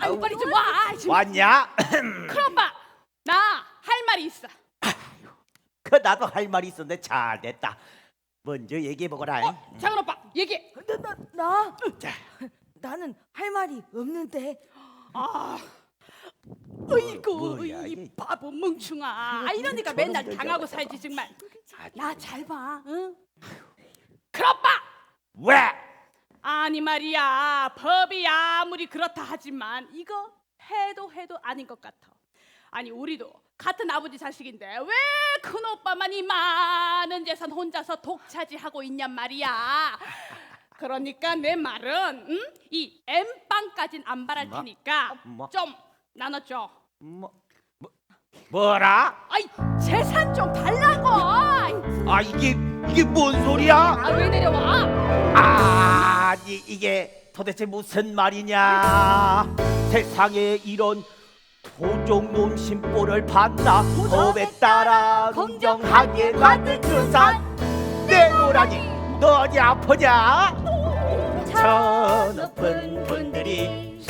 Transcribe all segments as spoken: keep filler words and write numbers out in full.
아유 빨리 좀 와. 지금. 왔냐? 큰오빠 나 할 말이 있어. 그 나도 할 말이 있었는데 잘 됐다. 먼저 얘기해 보거라. 어, 작은 오빠 얘기. 나, 나, 나? 자, 나는 할 말이 없는데. 아, 어이구 뭐야, 이 이게. 바보 멍충아. 아, 이러니까 저런 맨날 걸 당하고 잡아서. 살지 정말. 나 잘 봐, 응? 큰 오빠. 왜? 아니 말이야, 법이 아무리 그렇다 하지만 이거 해도 해도 아닌 것 같아. 아니 우리도 같은 아버지 자식인데 왜 큰 오빠만 이 많은 재산 혼자서 독차지하고 있냔 말이야. 그러니까 내 말은 응? 이 엠빵까진 안 바랄 뭐? 테니까 뭐? 좀 나눠줘. 뭐, 뭐 뭐라? 아이 재산 좀 달라고. 아 이게 이게 뭔 소리야? 아 왜 내려와? 아 이, 이게 도대체 무슨 말이냐? 세상에 이런 도적놈 심보를 봤나? 법에 따라 공정하게 받은 주산 내놓으라니 너 어디 아프냐? 저 높은 분들이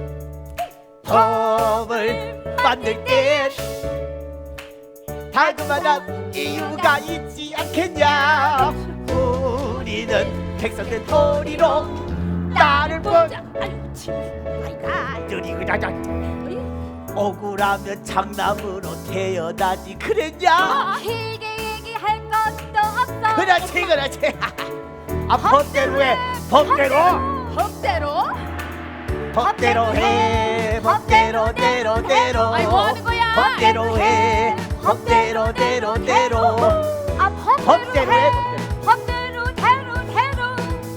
법을 만들 때 다그만한 이유가 있지 않겠냐? 우리는 백성된 도리로 나를 보자. 아유 참. 아이가. 들이 그냥 억울하면 장남으로 태어나지 그랬냐? 길게 얘기할 것도 없어. 그렇지 그렇지. 아 법대로 해 법대로 법대로. 법대로 해 법대로 대로 대로 아이, 뭐 하는 거야? 법대로 해 법대로 대로 대로 아, 법대로 해 법대로 대로 대로.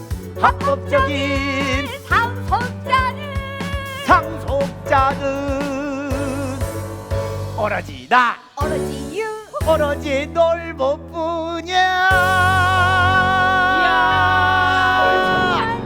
합법적인 상속자는 상속자는 오로지 나 오로지 유. 오로지 놀보뿐이야. 이야.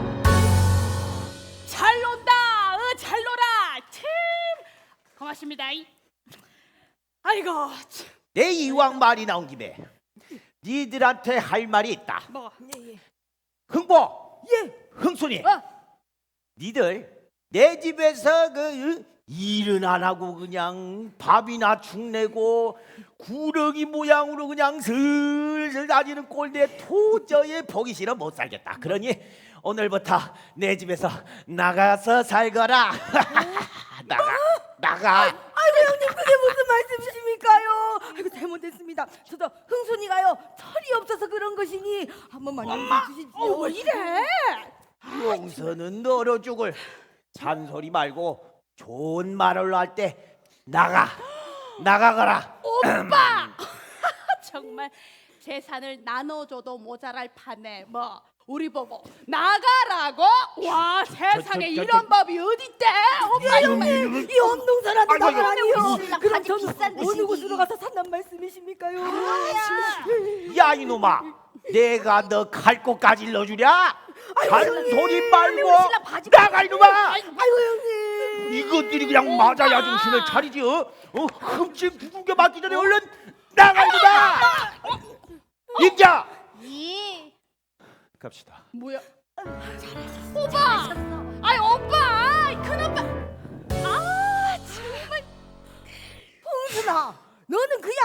잘 논다. 어, 잘 놀아. 참 고맙습니다. 아이고 참. 내 이왕 말이 나온 김에 니들한테 할 말이 있다. 뭐. 예, 예. 흥보, 예. 흥순이, 어. 니들 내 집에서 그 어? 일은 안 하고 그냥 밥이나 축내고 구렁이 모양으로 그냥 슬슬 다니는 꼴대 도저히 보기 싫어 못 살겠다. 그러니 오늘부터 내 집에서 나가서 살거라. 나가, 나가. 아이고 형님 그게 무슨 말씀이십니까요? 아이고 잘못했습니다. 저도 흥순이가요 철이 없어서 그런 것이니 한 번만 용서해 주십시오. 어, 왜 이래? 용서는 너로 죽을. 잔소리 말고 좋은 말로 할 때 나가, 나가거라. 오빠. 정말 재산을 나눠줘도 모자랄 판에 뭐 우리 보고 나가라고? 와 세상에 저, 저, 이런 저, 법이 어딨대? 오빠 정말. 이 엄동산한테 아이고, 나가라니요. 아이고, 그럼 바지 저는 비싼 어느 듯이. 곳으로 가서 산단 말씀이십니까요? 야 이놈아, 내가 너 갈 곳까지 일러주랴? 잔소리 말고 신랑 바지 나가 이놈아. 아이고 형님. 이것들이 그냥 맞아야 정신을 차리지. 어? 어? 흠집 두들겨 맞기 전에 얼른 나가 이놈아. 임자. 이 갑시다. 뭐야? 오빠! 아이 오빠! 큰 오빠! 아 정말 흥순아 너는 그냥